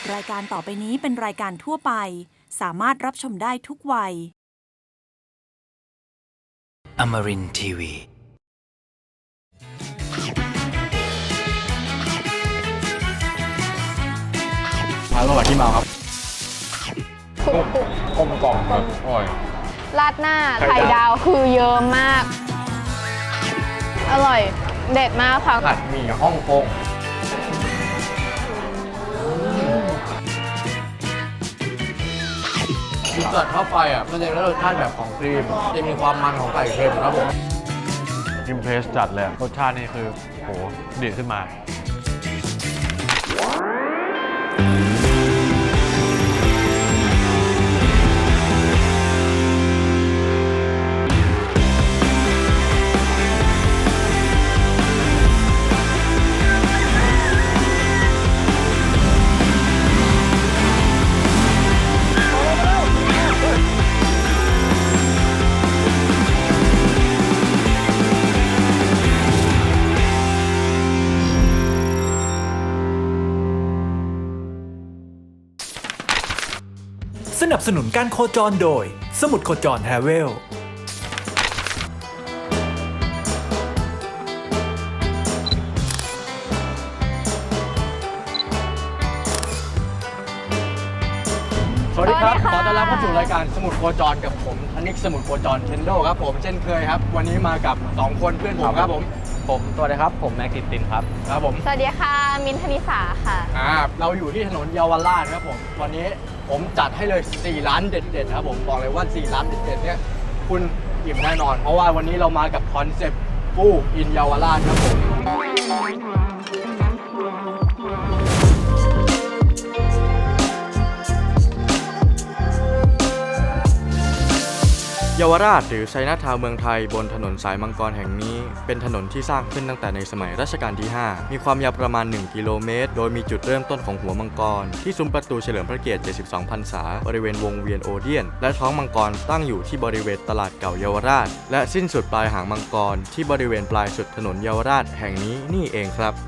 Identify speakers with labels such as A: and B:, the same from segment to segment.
A: รายการต่อไปนี้เป็นรายการทั่วไปสามารถรับชมได้ทุกวัย
B: Amarin Tiwi.
C: อร่อยที่มาครับกลมกล่อมครับอร่อย
D: ราดหน้าไข่ดาวคือเยอะมาก อร่อยเด็ดมากค่ะ
C: ผัดหมี่ฮ่องกงคือเกิดเข้าไปอ่ะมันจะได้รสชาติแบบของครีมจะมีความมันของไก่เค็มครับผมอิมเพรสจัดเลยรสชาตินี่คือโหดีขึ้นมา
E: สนับสนุนการโคจรโดยสมุดโคจรแฮเวล
C: สวัสดีครับ
D: สวัสดีค่ะ
C: ขอต้อนรับเข้าสู่รายการสมุดโคจรกับผมธนิกสมุดโคจรเทนโดครับผมเช่นเคยครับ วันนี้มากับ 2 คนเพื่อนผมครับผมสวัสดีครับผมแม็กตินครับครับผม
D: สวัสดีค่ะ มินทนิสาค่ะ
C: เราอยู่ที่ถนนเยาวราชครับผมวันนี้ผมจัดให้เลย4ร้านเด็ดๆครับผมบอกเลยว่า4ร้านเด็ดๆเนี่ยคุณอิ่มแน่นอน เพราะว่าวันนี้เรามากับคอนเซ็ปต์ฟูอินเยาวราชครับผมเยาวราชหรือไชน่าทาวน์เมืองไทยบนถนนสายมังกรแห่งนี้เป็นถนนที่สร้างขึ้นตั้งแต่ในสมัยรัชกาลที่ 5 มีความยาวประมาณ 1 กิโลเมตร โดยมีจุดเริ่มต้นของหัวมังกรที่ซุ้มประตูเฉลิมพระเกียรติ 72 พรรษาบริเวณวงเวียนโอเดียน และท้องมังกรตั้งอยู่ที่บริเวณตลาดเก่าเยาวราช และสิ้นสุดปลายหางมังกรที่บริเวณปลายสุดถนนเยาวราชแห่งนี้นี่เองครับ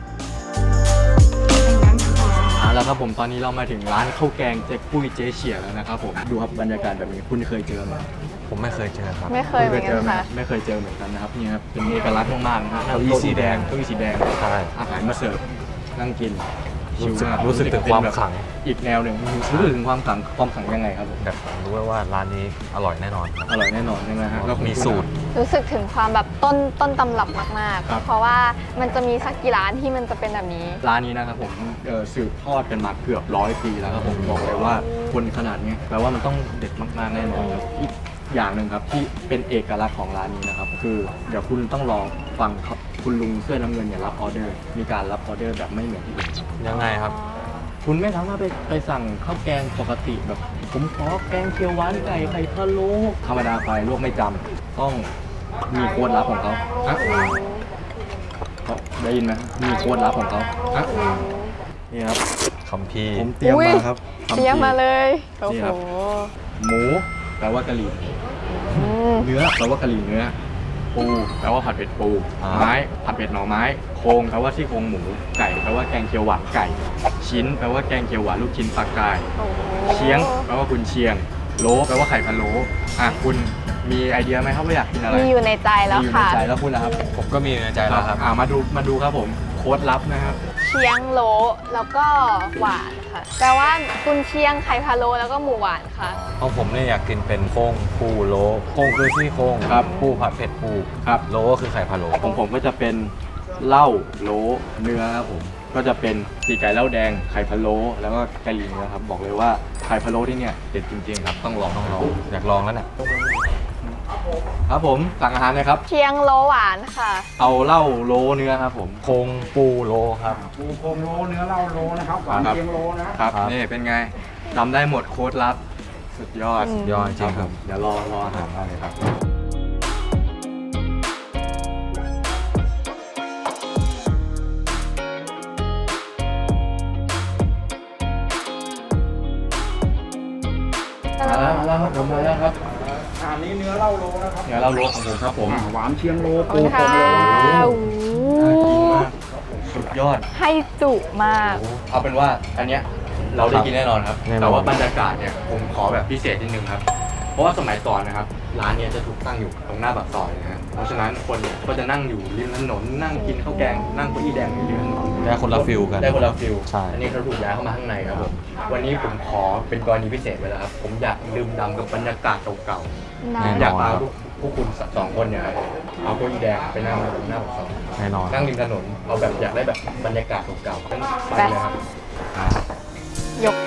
C: แล้วครับผมตอนนี้เรามาถึงร้านข้าวแกงเจ๊ปุ้ยเจ๊เฉียแล้วนะครับผมดูครับบรรยากาศแบบนี้คุณเคยเจอไหมผมไม่เคยเจอครับ
D: ไม่เคยเหมือนกันค่ะ
C: ไม่เคยเจอเหมือนกันนะครับนี่ครับเป็นเอกลักษณ์มากๆนะฮะเก้าอี้สีแดงใช่อาหารมาเสิร์ฟนั่งกินรู้สึกถึงความขลังอีกแนวหนึ่งรู้สึกถึงความขลังยังไงครับผม
F: แบบรู้ว่าร้านนี้อร่อยแน่นอนครับ
C: อร่อยแน่นอนใช่ไหมฮะแล้ว
F: มีสูตร
D: รู้สึกถึงความแบบต้นตำรับมาก
C: ครับ
D: ๆ เพราะว่ามันจะมีสักกี่ร้านที่มันจะเป็นแบบนี้
C: ร้านนี้นะครับผมสืบทอดกันมาเกือบ100 ปีแล้วครับผมบอกเลยว่าคนขนาดนี้แปลว่ามันต้องเด็ดมากๆแน่นอนครับอีกอย่างหนึ่งครับที่เป็นเอกลักษณ์ของร้านนี้นะครับคือเดี๋ยวคุณต้องรอฟังครับคุณลุงเสื้อน้ำเงินเนี่ยรับออเดอร์มีการรับออเดอร์แบบไม่เหมือนที่อื่น
F: ยังไงครับ
C: คุณไม่สามารถไปสั่งข้าวแกงปกติแบบผมขอแกงเขียวหวานไก่ไข่พะโล้ธรรมดาไปลวกไม่จำต้องมีโค้ดลับของเขาเขาได้ยินไหมมีโค้ดลับของเขานี่ครับ
F: คัมภีร์
C: ผมเตรียมมาครับ
D: เตรียมมาเลยโอ้
C: นี่
D: โห
C: ครับหมูแปลว่ากะหรี่ เนื้อแปลว่ากะหรี่เนื้อปูแปลว่าผัดเผ็ดปูไม้ผัดเผ็ดหน่อไม้โครงแปลว่าซี่โครงหมูไก่แปลว่าแกงเขียวหวานไก่ชิ้นแปลว่าแกงเขียวหวานลูกชิ้นปลากาย
D: โอ้โห
C: เชียงแปลว่ากุนเชียงโลแปลว่าไข่พะโล้คุณมีไอเดียไหมครับว่าอยากกินอะไร
D: มีอยู่ในใจแล้ว
C: มีอยู่ใน
D: ค่ะ
C: ใจแล้วคุณนะครับ
F: ผมก็มีในใจแล้วครับ
C: มาดูครับผมโค้ดลับนะครับ
D: เชียงโลแล้วก็หวานค่ะแปลว่ากุนเชียงไข่พะโล้แล้วก็หมูหวานค่ะ
F: เพราะผมเนี่ยอยากกินเป็นโครงปูโลโครงคือซี่โครง
C: ครับ
F: ปูผัดเผ็ดปู
C: ครับ
F: โลก็คือไข่พะโล้
C: ของผมก็จะเป็นเหล้าโลเนื้อครับผมก็จะเป็นปีกไก่เหล้าแดงไข่พะโล้แล้วก็กะหรี่นะครับบอกเลยว่าไข่พะโล้ที่เนี่ยเด็ดจริงๆครับต้องลอง
F: อยากลองแล้วเนี่ย
C: ครับผมสั่งอาหารเลยครับ
D: เชียงโลหวานค่ะ
C: เอาเหล้าโลเนื้อครับผม
F: โครงปูโลครับ
G: ปูโคมโลเนื้อเหล้าโลนะครับหวานเชียงโลนะครับ
C: นี่เป็นไงจำได้หมดโค้ดลับสุดยอด
F: ยอดจริงครับ
C: เดี๋ยวรออาหารได้เลยครับมาแล้วครับผมมาแล้วครับ
G: อันนี้เนื้อเหล้าโลนะครับ
C: เดี๋ยวเราโลของผมครับผม
G: หวานเชียงโล
D: ขอบคุณค่ะ
C: น่า
D: โอ้
C: กิน
D: โห
C: มากสุดยอด
D: ให้จุมาก
C: เอาเป็นว่าอันเนี้ยเราได้กินแน่นอนครับ
F: แน่นอน
C: แต่ว่าบรรยากาศเนี่ยผมขอแบบพิเศษนิดนึงครับ เพราะว่าสมัยก่อนนะครับร้านเนี้จะถูกตั้งอยู่ตรงหน้าปากซอยนะฮะเพราะฉะนั้นคนเนี่ยก็จะนั่งอยู่ริมถนนนั่งกินข้าวแกงนั่งเก้าอี้แดงอยู่ริมถนน
F: ได้คนละฟิลกัน
C: ได้คนละฟิล
F: ใช่
C: อันนี้เขาถูกย้ายเข้ามาข้างในครับผมวันนี้ผมขอเป็นกรณีพิเศษไปแล้วครับผมอยากดื่มด่ำกับบรรยากาศเก่า
D: ได้
C: ๆอยากพาพวกคุณสองคนเนี่ยครับเอาเก้าอี้แดงไปนั่งตรงหน้าปากซอย
F: แน่นอน
C: นั่งริมถนนเอาแบบอยากได้แบบบรรยากาศเก่าๆงั้นไปเลยครับ
D: ยก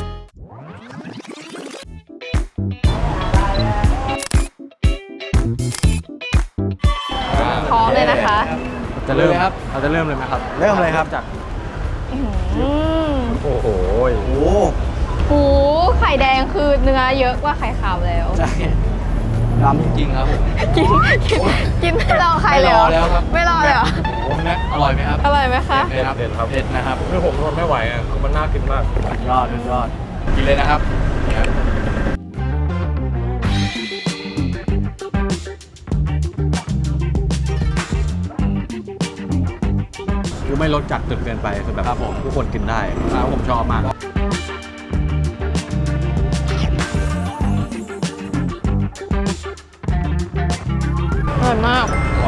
D: พร้อมเลยนะคะ
F: จะเริ่ม
C: เลยครับ
F: เราจะเริ่มเลยไหมครับ
C: เริ่มเลยครับจาก
D: อืม
F: โอ้โห
D: หูไข่แดงคือเนื้อเยอะกว่าไข่ขาวแล้ว
C: ใช่ดำจริงๆครับผม
D: กินไม่รอใครเลยเหรอ
C: ไม่รอแล้วครับ
D: ไม่รอเลยเหรอ
C: ผมนะอร่อยไหมครับ
D: อร่อยไหมคะ
C: เด็ดครับ
F: เด็ดครับ
C: เด็ดนะครับ
F: คือผมทนไม่ไหวอ่ะมันน่ากินมาก
C: ยอดยอดกินเลยนะครับนี่ครับ
F: คือไม่รสจัดจนเกินไปคือแบบทุกคนกินได้ผมชอบมาก
D: อร่อยมาก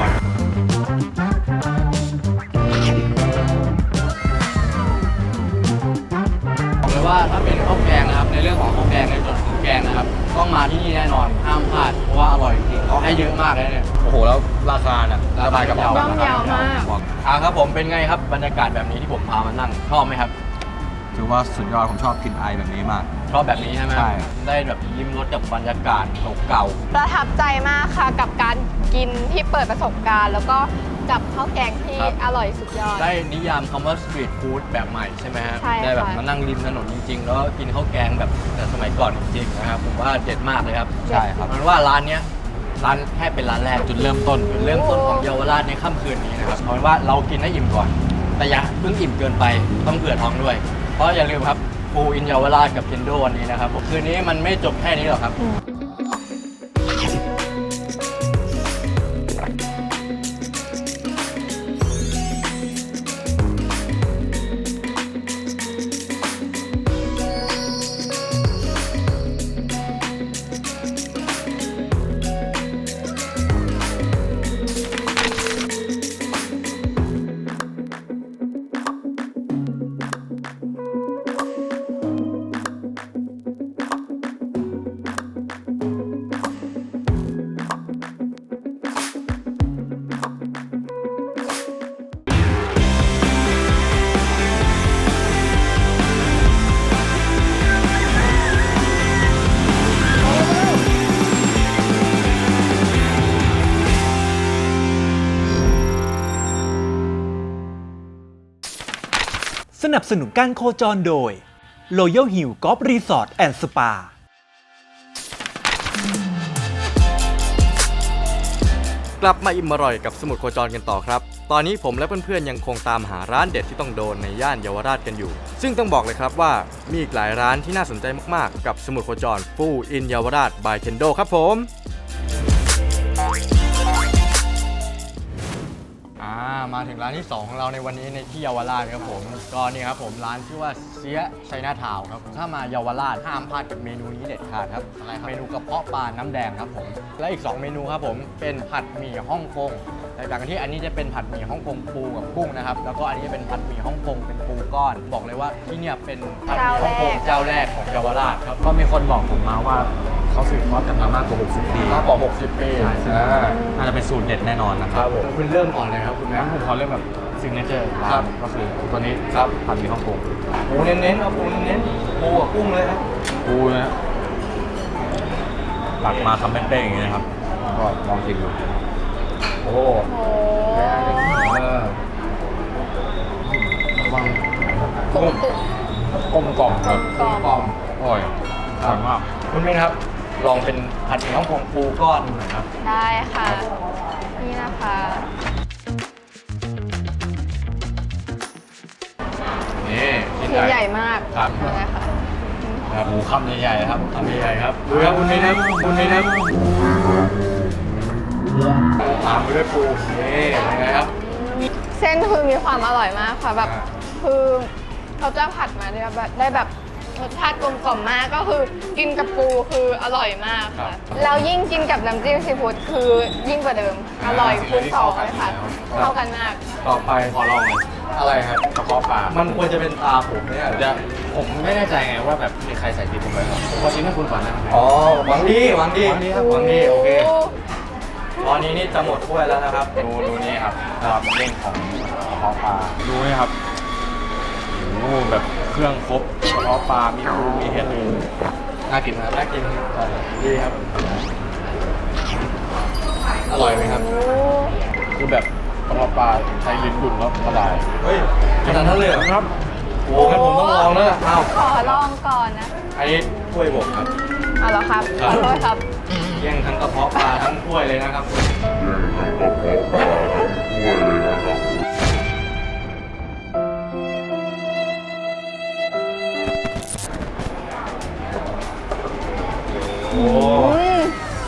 C: บอกเลยว่าถ้าเป็นข้าวแกงนะครับในเรื่องของข้าวแกงในส่วนของแกงนะครับต้องมาที่นี่แน่นอนห้ามพลาดเพราะว่าอร่อยจริงๆเขาให้เยอะมากเลยเนี่ย
F: โอ้โห แล้วราคาน่ะสบายกระเป๋า
D: ย่อมเยาวมาก
C: ครับผมเป็นไงครับบรรยากาศแบบนี้ที่ผมพามานั่งชอบไหมครับ
F: ถือว่าสุดยอดผมชอบกินไอแบบนี้มาก
C: ชอบแบบนี้ใช่ไหม
F: ใช่
C: ได้แบบยิ้มรสกับบรรยากาศเก่า
D: ประทับใจมากค่ะกับการกินที่เปิดประสบการณ์ แล้วก็กับข้าวแกงที่อร่อยสุดยอด
C: ๆได้นิยามคำว่าสตรีทฟู้ดแบบใหม่ใช่ไหมฮะ
D: ใช่ค่ะ
C: ได้แบบมานั่งริมถนนจริงๆ แล้วก็กินข้าวแกงแบบแต่สมัยก่อนจริงๆนะครับผมว่าเด็ดมากเลยครับ
F: ใช่ครับ
C: มันว่าร้านเนี้ยร้านแค่เป็นร้านแรกจุดเริ่มต้นของเยาวราชในค่ำคืนนี้นะครับเอาเป็นว่าเรากินให้อิ่มก่อน แต่อย่าเพิ่งอิ่มเกินไปต้องเผื่อท้องด้วย เพราะอย่าลืมครับฟูอินเยาวราชกับเคนโดวันนี้นะครับคืนนี้มันไม่จบแค่นี้หรอกครับ
E: สนับสนุนการโคจรโดย Royal Hill Golf Resort and Spa
C: กลับมาอิ่มอร่อยกับสมุทรโคจรกันต่อครับ ตอนนี้ผมและเพื่อนๆยังคงตามหาร้านเด็ดที่ต้องโดนในย่านเยาวราชกันอยู่ ซึ่งต้องบอกเลยครับว่ามีอีกหลายร้านที่น่าสนใจมากๆกับสมุทรโคจรฟูอินเยาวราชบายเคนโดครับผมมาถึงร้านที่ 2 ของเราในวันนี้ในที่เยาวราชครับผมก็นี่ครับผมร้านชื่อว่าเสียไชน่าทาวน์ครับถ้ามาเยาวราชห้ามพลาดกับเมนูนี้เด็ดขาดครับเมนูกระเพาะปลาน้ำแดงครับผมและอีก 2 เมนูครับผมเป็นผัดหมี่ฮ่องกงแตกต่างกันที่อันนี้จะเป็นผัดหมี่ฮ่องกงปูกับกุ้งนะครับแล้วก็อันนี้จะเป็นผัดหมี่ฮ่องกงเป็นปูก้อนบอกเลยว่าที่เนี่ยเป็นผัดหมี่ฮ่องกงเจ้าแรกของเยาวราชครับ
F: ก็มีคนบอกผมมาว่าเขาสืบทอดกันมามากกว่า 60 ปี
C: มากกว่า60 ปี
F: น่าจะเป็นสูตรเด็ดแน่นอนนะค
C: ค
F: รั
C: รั
F: บบ
C: ผมคุณเริ่มก่อนเลยครับคุณแม่
F: งั้นผมขอเริ่มแบบซิงเกิลร้า
C: ครั
F: น
C: บ
F: ก็คือตัวนี้
C: ครับ
F: ผัดหมี่ฮ่องกง
C: ปูเน้นๆเอาปูเน้นๆปูกับกุ้งเลยครับ
F: ปูนะตักมาคำเป้งๆอย่างนี้นะครับ ก็ลองชิมดู
C: โอ้
D: โอ้
C: ระวัง
D: กุ้ง
F: กลมกล่อมครับ
D: กรอบ
C: กล่อม
F: อร่อยอร่อยมาก
C: คุณเมนครับ ลองเป็นผัดหมี่ฮ่องกงปูก้อนดูหน่อยครับ
D: ได้ค่ะ นี่นะคะ
C: นี่ชิ้น
D: ชิ้น
C: ให
D: ให
C: ญ่
D: ญ่มาก
C: ครับ
D: เลยค่ะ
C: ครับหมูคำใหญ่ๆครับคำใหญ่ๆครับดูครับคุณเมนครับคุณเมนครับตามไปด้วยปูนี่เป็นไงครับ
D: เส้นคือมีความอร่อยมากค่ะแบบคือเขาจะผัดมาได้แบบรสชาติกลมกล่อมมากก็คือกินกับปูคืออร่อยมากค่ะแล้วยิ่งกินกับน้ำจิ้มซีฟู้ดคือยิ่งกว่าเดิมอร่อยคูณสองเลยค่ะเข้ากันมาก
C: ต่อไปขอลองเลยอะไรครับ
F: กระเพาะปลา
C: มันควรจะเป็นตาผมเนี่ย
F: จะผมไม่แน่ใจไงว่าแบบมีใครใส่ติดผมไว้หรอผมขอชิมให้คุณก่อนนะ
C: อ๋อหวังดีหวังดี
F: หวังดีครับ
C: หวังดีโอเคตอนนี้นี่จะหมดถ้วยแล้วนะครับ
F: ดูนี่ครับความเด้งของกระเพาะปลาดูนี่ครับโอ้โหแบบเครื่องครบกระเพาะปลามีปูมีเห็ด
C: น่ากินครับน่ากินดีครับ อร่อยไหมครับ
F: คือแบบกระเพาะปลาใช้ลิ้นดุนแล้วละลาย
C: เฮ้ยขนาดนั้นเลยเหรอ
F: ครับ
C: โอ้งั้นผมต้องลองแล้วล่ะอ้าว
D: ขอลองก่อนนะ
C: อันนี้ถ้วยผมครับ
D: เอาเหรอครับขอโทษครับ
C: แย่งทั้งกระเพาะปลาทั้งถ้วยเลยนะครับโอ้
D: อืม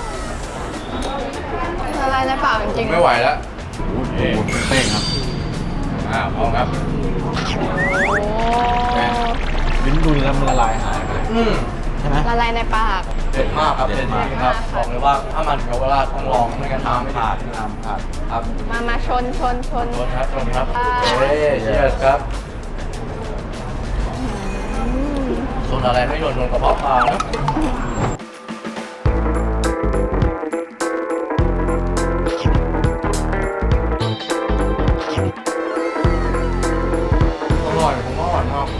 D: ละลายในปากจริงๆ
C: ไม่ไหวแล้ว
F: เอ๊ะเต้งครับ
C: พร้อมครับ
D: โอ้
F: ลิ้นดุนแล้วมันละลายหายไปเลย ใช่ไหม
D: ละลายในปาก
C: เด็ดมากครับ
F: เด็
C: เด็ด
F: ด
C: จ
F: มาก
C: ริงครับบอกเลยว่าถ้ามันเยาวราชต้องลองไม่งั้นทำไม่ขาด
F: น้ำขาด
C: ครับ
D: มาชน
C: ชนครับชนครับ
D: อ่า
C: เฮ้ยเชียร์ครับชนอะไรไม่โดนกระเพาะปลานะอร่อยผมว่าอร่อยมาก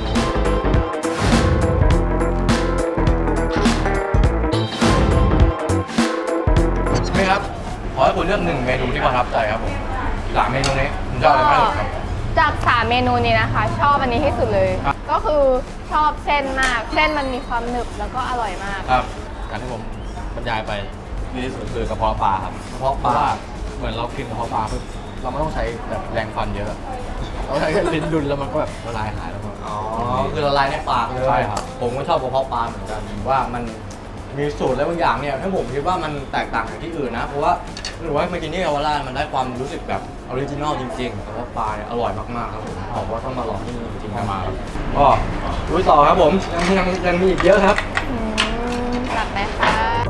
C: นี่ครับ ขอให้คุณเลือกหนึ่งเมนูที่ประทับใจครับผมสามเมนูนี้คุณชอบอะไรมากที่สุดครับ
D: จาก3เมนูนี้นะคะ ชอบอันนี้ที่สุดเลย ก็คือชอบเส้นมาก เส้นมันมีความหนึบแล้วก็อร่อยมาก
C: ครับ
F: การที่ผมบรรยายไปดีที่สุดคือกระเพาะปลาครับ
C: กระเพาะปลา
F: เพราะว่าเหมือนเรากินกระเพาะปลาปุ๊บเราไม่ต้องใช้แบบแรงฟันเยอะ เราใช้แค่ลิ้นดุนแล้วมันก็แบบละลายหายแล้วก็
C: อ๋อ คือละลายในปากเลย
F: ใช่ครับ
C: ผมก็ชอบกระเพาะปลาเหมือนกันว่ามันมีสูตรอะไรบางอย่างเนี่ยถ้าผมคิดว่ามันแตกต่างจากที่อื่นนะ เพราะว่าหรือว่าเมื่อกี้นี่เยาวราชมันได้ความรู้สึกแบบออริจินอลจริงๆกระเพาะปลาเนี่ยอร่อยมากๆครับผมว่าต้องมาลองที่นี่จริงๆ
F: ให้มาครับ
C: ก็ลุยต่อครับผมยังมีอีกเยอะครับ
D: จัดไหมคะ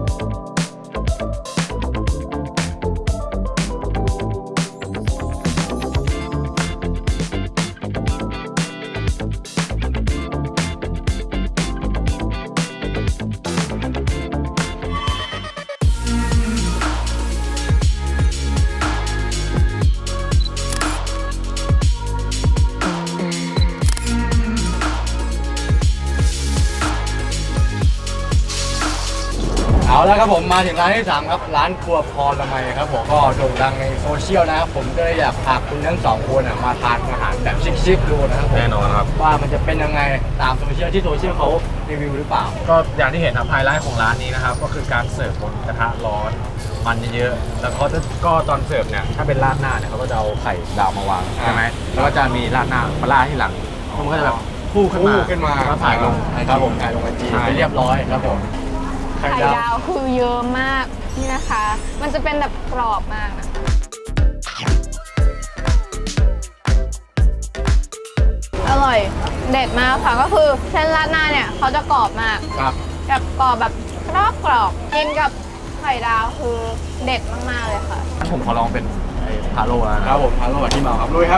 C: เอาแล้วครับผมมาถึงร้านที่3ครับร้านครัวพรละไมครับผมก็โด่งดังในโซเชียลนะครับผมก็เลยอยากพาคุณทั้งสองคนมาทานอาหารแบบชิคๆดูนะครับผม
F: แน่นอนครับ
C: ว่ามันจะเป็นยังไงตามโซเชียลที่โซเชียลเขารีวิวหรือเปล่า
F: ก็อย่างที่เห็นครับไฮไลท์ของร้านนี้นะครับ ก็คือการเสิร์ฟบนกระทะร้อนมันเยอะๆแล้วเขาจะก็ตอนเสิร์ฟเนี่ยถ้าเป็นราดหน้าเนี่ยเขาก็จะเอาไข่ดาวมาวางใช่ไหมแล้วก็จะมีราดหน้ามาราดที่หลังมันก็จะแบบฟูขึ้นมา
C: ขึ้นมา
F: แล้วถ่ายลง
C: ครับผมถ่ายลงไอจี
F: ใช่
C: ไปเรียบร้อยครับผม
D: ไข่ดาวคือเยอะมากนี่นะคะ มันจะเป็นแบบกรอบมากนะอร่อยเด็ดมากค่ะก็คือเส้นราดหน้าเนี่ยเขาจะกรอบมาก
C: ครับ
D: แบบกรอบแบบกรอบกินกับไข่ดาวคือเด็ดมากๆเลยค่ะ
F: งั้นผมขอลองเป็นไอ้พาโลแล้วนะ
C: ครับผมทานโรบัตที่เมาครับลุยครับ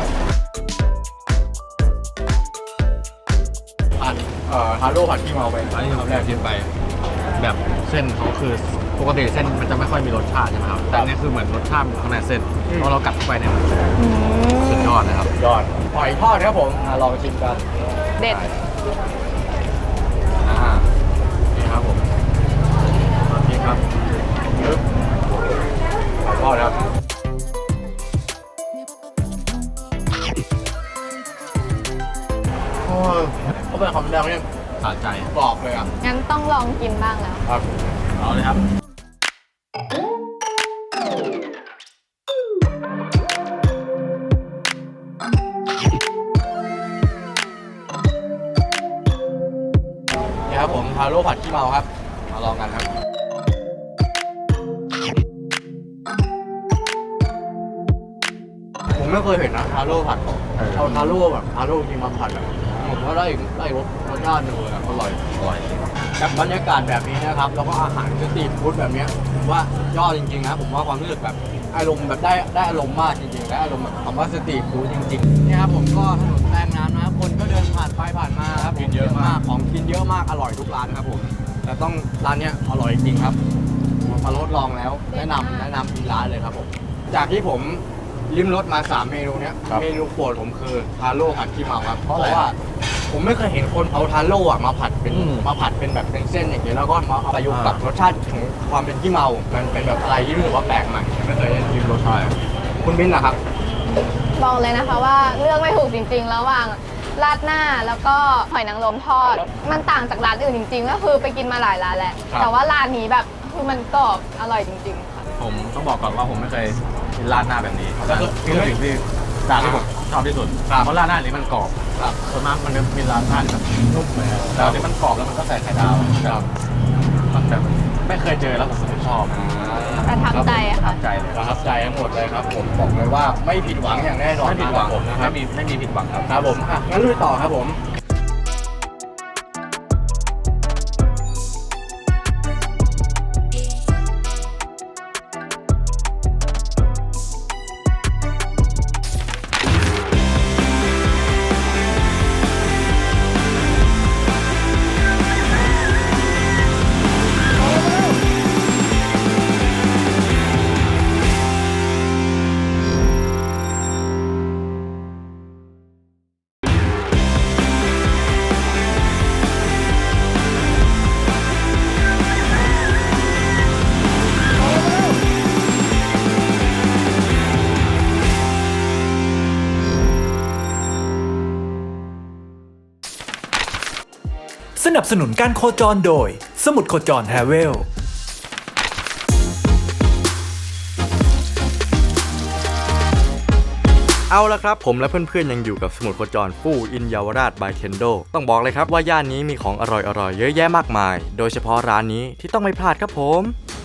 C: ผัดทาโร่ผัดที่เมาไป
F: อันนี้ผมแรกชิมไป แบบเส้นเขาคือปกติเส้นมันจะไม่ค่อยมีรสชาติใช่ไหมครับ แต่อันนี่คือเหมือนรสชาติอยู่ข้างในเส้นพอเรากัดเข้าไปเนี่ยมันสุดยอดเลยครับ
C: ยอดหอยทอดครับผมลองชิมกัน
D: เด็ด
C: นี่ครับผมนี่ครับปึ๊บหอยทอดครับโอ้ยเขาเป็นคำแรกเนี่ย
F: สะใจ
C: กรอบเลยอ่ะ
D: งั้นต้องลองกินบ้างแล้ว
C: ครับ
F: เอาเลยครับ
C: นี่ครับผมทาโร่ผัดขี้เมาครับ มาลองกันครับ ผมไม่เคยเห็นนะทาโร่ผัดเอาทาโร่แบบทาโร่จริงมาผัดแบบผมก็ได้อีกรสชาติหนึ่งเลยครับอร่อยกับบรรยากาศแบบนี้นะครับแล้วก็อาหารสตรีทฟู้ดแบบเนี้ยผมว่ายอดจริงๆนะผมว่าความรู้สึกแบบอารมณ์แบบได้อารมณ์มากจริงๆได้อารมณ์แบบคำว่าสตรีทฟู้ดจริงๆนี่ครับผมก็ถนนแปลงน้ำนะครับคนก็เดินผ่านไปผ่านมาครับกินเยอะมากของกินเยอะมากอร่อยทุกร้านครับผมแต่ต้องร้านเนี้ยอร่อยจริงๆครับมาทดลองแล้วแนะนำอีกร้านเลยครับผมจากที่ผมลิ้มรสมา3เมนูเนี้ยเมนูโปรดผมคือทาโร่ผัดขี้เมาครับเพราะว่าผมไม่เคยเห็นคนเอาทาโร่อะมาผัดเป็นแบบเป็นเส้นอย่างเงี้ยแล้วก็มาเอาประยุกต์กับรสชาติของความเป็นขี้เมามันเป็นแบบอะไรที่รู้สึกว่าแปลกใหม่ไม่เคยได้ชิมรสชาติคุณมิ้นท์ล่ะครับ
D: บอกเลยนะคะว่าเลือกไม่ถูกจริงๆ ระหว่างราดหน้าแล้วก็หอยนางรมทอด มันต่างจากร้านอื่นจริงๆ ก็คือไปกินมาหลายร้านแล้ว แต่ว่าร้านนี้แบบคือมันกรอบอร่อยจริงๆค่ะ
F: ผมต้องบอกก่อนว่าผมไม่เคยกินราดหน้าแบบนี้นี่คือสิ่งที่ร้านที่ผมชอบที่สุดเพราะราดหน้านี้มันกรอบส่วนมากมันจะมีราดหน้าที่แบบนุ่มเลยแต่อันนี้มันกรอบแล้วมันก็ใส่ไข่ดาวมันแบบไม่เคยเจอแล้วผมชอบ
D: ประทับใจอะค่ะ
F: ใจเลย
C: ประทับใจทั้งหมดเลยครับผมบอกเลยว่าไม่ผิดหวังอย่างแน่นอน
F: ไม่ผิดหวัง
C: ผมนะครับ
F: ไม่มีผิดหวังครับ
C: ครับผมงั้นลุยต่อครับผม
E: สนับสนุนการโคจรโดย สมุดโคจรแฮเวล
C: เอาละครับผมและเพื่อนๆยังอยู่กับสมุดโคจรฟู่อินเยาวราชบายเคนโดต้องบอกเลยครับว่าย่านนี้มีของอร่อยๆเยอะแยะมากมายโดยเฉพาะร้านนี้ที่ต้องไม่พลาดครับผม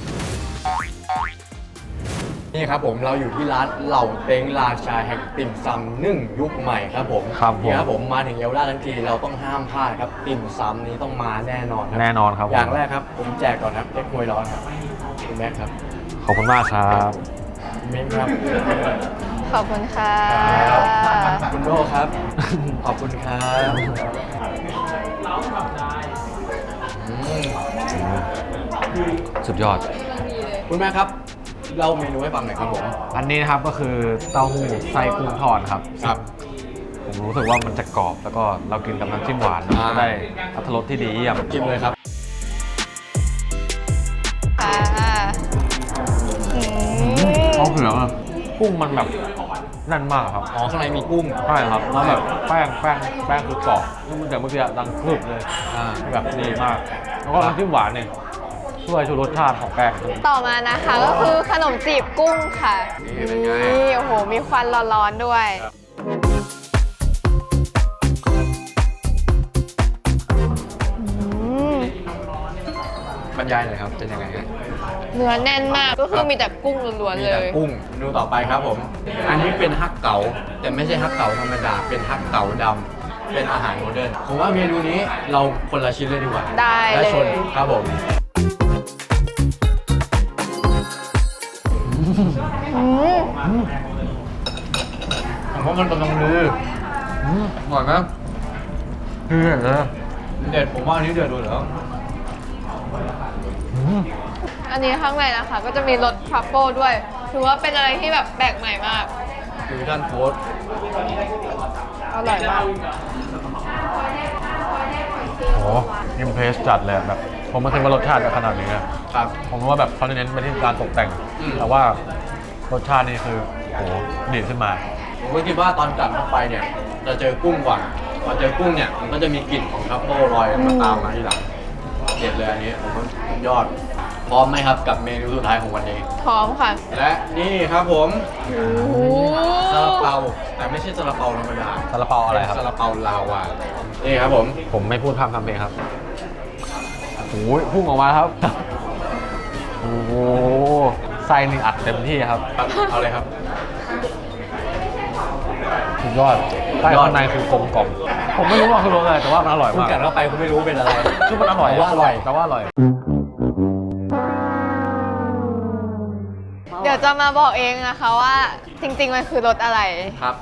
C: นี่ครับผมเราอยู่ที่ร้านเหล่าเต็งราชาแห่งติ่มซำนึ่งยุคใหม่ครับผม
F: ครับผม
C: นี่ครับผมมาถึงเยาวราชทั้งทีเราต้องห้ามพลาดครับติ่มซำนี้ต้องมาแน่นอนครับ
F: แน่นอนครับ
C: อย่างแรกครับผมแจกก่อนครับเล็กมวยร้อนครับคุณแม็กครับ
F: ขอบคุณมากครับ
C: มิ้นครับ
D: ขอบคุณค่ะ
C: คุณโดครับ ขอบคุณครับอืม
F: สุดยอด
C: คุณแม่ครับเล่าเมนูให้ฟังหน่อยครับผม
F: อันนี้นะครับก็คือเต้าหู้ไส้กุ้งทอดครับ
C: ครับ
F: ผมรู้สึกว่ามันจะกรอบแล้วก็เรากินกับน้ำจิ้มหวานก็ได้อรรถรสที่ดีเยี่ยม
C: จิ้มเลยครับ
D: ค่ะอืม
F: ข้าวเผือกกุ้งมันแบบแน่นมากครับ
C: อ๋อข้างในมีกุ้ง
F: ใช่ครับแล้วแบบแป้งคือกรอบนี่มันจากเมื่อกี้ดังครึบเลยแบบดีมาก แล้วก็น้ำจิ้มหวานเนี่ยช่วยชูรสชาติของแป้ง
D: ต่อมานะคะก็คือขนมจีบกุ้งค่ะ
C: นี่เป็นไง
D: นี่โอ้โห มีควันร้อนๆด้วย
C: บรรยายหน่อยครับเป็นยังไงครับ
D: เนื้อแน่นมากก็คือมีแต่กุ้งล้วนๆ
C: มี
D: เล
C: แต่
D: ย
C: กุ้งดูต่อไปครับผม อันนี้เป็นฮักเก๋าแต่ไม่ใช่ฮักเก๋าธรรมดาเป็นฮักเก๋าดำเป็นอาหารโมเดิร์นผมว่าเมนูนี้เราคนละชิ้นเลยดีกว่า
D: ได้
C: และ
D: เลย
C: ชนครับผม
D: อืม
C: ผมว่ามันกำลังดีอร่อยไหม
F: คือเออ
C: เด็ดผมว่าอันนี้เด็ดเลยเหรอ
D: อันนี้ข้างในนะคะ ก็จะมีรสทรัฟเฟิลด้วย ถือว่าเป็นอะไรที่แบบแปลกใหม่มาก
C: ฟิวชั่นโค้ด
D: อร่อยมาก
F: โอ้อิมเพรสจัดเลยแบบผมไม่เคยว่ารสชาติจะขนาดนี้นะครับ ผมว่าแบบเขาเน้นไปที่การตกแต่ง แต่ว่ารสชาตินี่คือโอ้ดีขึ้นมา
C: ผมก็คิดว่าตอนกัดเข้าไปเนี่ยจะเจอกุ้งก่อนพอเจอกุ้งเนี่ยมันก็จะมีกลิ่นของทรัฟเฟิลลอยมาตามมาทีหลังเด็ดเลยอันนี้ผมว่าสุดยอดพร้อมไหมครับกับเมนูสุดท้ายของวันนี้
D: พร้อมค่ะ
C: และนี่ครับผม
D: โอ้โห
C: ซาลาเปาแต่ไม่ใช่ซาลาเปาธรรมดา
F: ซาลาเปาอะไรครับ
C: ซาลาเปาลาวานี่ครับผม
F: ผมไม่พูดพร่ำทำเพลงครับโอ้ยพุ่งออกมาครับ โอ้โหไส้นี่อัดเต็มที่ครับ
C: เอาเลยครับ
F: สุดยอดใช่ข้างในคือกลมกล่อมผมไม่รู้ว่าคือรสอะไรแต่ว่ามันอร่อย
C: คุณ
F: มาก
C: กัดเข้าไปคุณไม่รู้เป็นอะไร
F: คือมันอร่อย
C: แต่ว่าอร่อย
F: แต่ว่าอร่อย
D: เดี๋ยวจะมาบอกเองนะคะว่าจริงๆมันคือรสอะไร
C: ครับ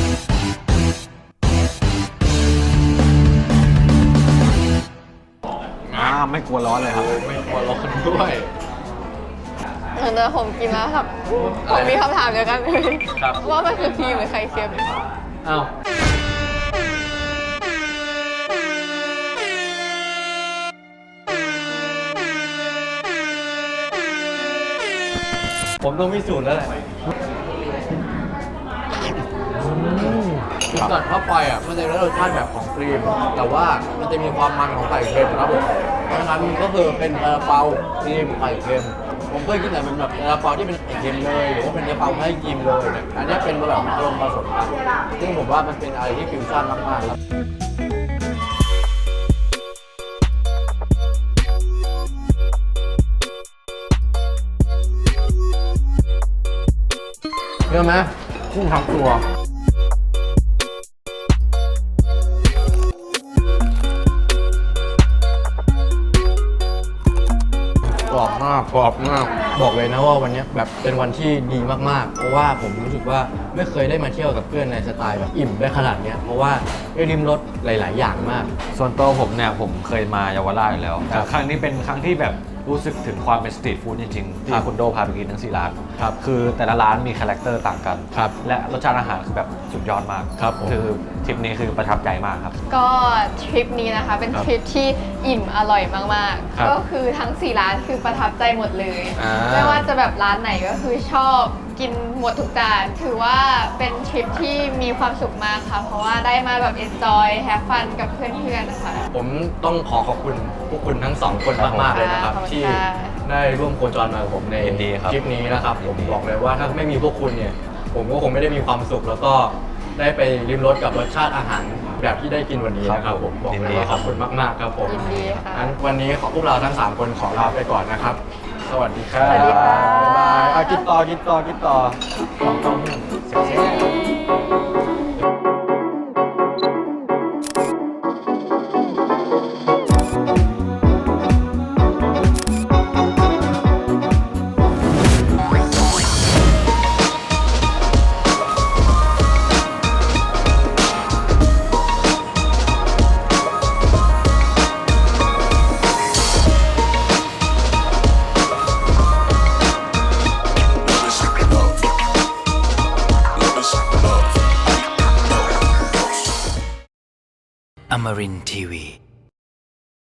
F: ไม่กลัวร้อนเลยครับ
C: ไม่กลัวร้อนด้วย
D: เดี๋ยวผมกินแล้วครับ ผมมีคำถามเดียวกันเลย
C: ครับ
D: ว่ามันคือครีมหรือไข่เค็ม
C: อ้าว ผมต้องพิสูจน์แล้วแหละกัดเข้าไปอ่ะมันจะได้รสชาติแบบของครีม แต่ว่ามันจะมีความมันของไข่เค็มครับผมเพราะฉะนั้นมันก็คือเป็นซาลาเปาครีมไข่เค็ม ผมเคยกินแต่เป็นแบบซาลาเปาที่เป็นไข่เค็มเลยหรือว่าเป็นซาลาเปาไม่ให้ครีมเลยเนี่ยอันนี้เป็นแบบอารมณ์ผสมกันซึ่งผมว่ามันเป็นอะไรที่ฟิวชั่นมากๆครับเชื่อไหมกุ้งทั้งตัวกรอบมากกรอบมากบอกเลยนะว่าวันนี้แบบเป็นวันที่ดีมากๆเพราะว่าผมรู้สึกว่าไม่เคยได้มาเที่ยวกับเพื่อนในสไตล์แบบอิ่มได้ขนาดเนี้ยเพราะว่าได้ริมรสหลาย ๆ อย่างมาก
F: ส่วนตัวผมเนี่ยผมเคยมาเยาวราชอยู่แล้ว
C: ครั
F: แต่
C: บ
F: ครั้งนี้เป็นครั้งที่แบบรู้สึกถึงความเป็นสตรีทฟู้ดจริงๆ
C: ครั
F: ที่
C: บ
F: คุณโดพาไปกินทั้ง4ร้าน
C: ครับ
F: คือแต่ละร้านมีคาแรคเตอร์ต่างกัน
C: ครับ
F: และรสชาติอาหารคือแบบสุดยอดมาก
C: ครับผม
F: คือทริปนี้คือประทับใจมากครับ
D: ก็ทริปนี้นะคะเป็นทริปที่อิ่มอร่อยมาก
C: ครับ
D: ๆ ก็คือทั้ง 4 ร้านคือประทับใจหมดเลย
C: อ่า
D: ไม่ว่าจะแบบร้านไหนก็คือชอบกินหมดทุกจานถือว่าเป็นทริปที่มีความสุขมากค่ะ เพราะว่าได้มาแบบ enjoy have fun กับเพื่อนๆนะคะ
C: ผมต้องขอบคุณพวกคุณทั้งสองคนมาก ๆ เลยนะครับ
D: ขอบคุณ
C: ที่
D: ค่ะ
C: ได้ร่วมโคจรมากับผมใน
F: ยินดีครับ
C: คลิปนี้นะครับผมบอกเลยว่าถ้าไม่มีพวกคุณเนี่ย ผมก็คงไม่ได้มีความสุข แล้วก็ได้ไปริมรสกับรสชาติอาหารแบบที่ได้กินวันนี้นะครับผมบอกเลยว่าขอบคุณมาก ๆ ครับผม
D: ยินดีค่ะ
C: งั้นวันนี้พวกเราทั้ง 3 คนขอลาไปก่อนนะครับ สวัสดีครับ
D: สวัสดีค่ะ
C: บ๊ายบายอ่ะกินต่อของต้อง
B: Amarin Tiwi.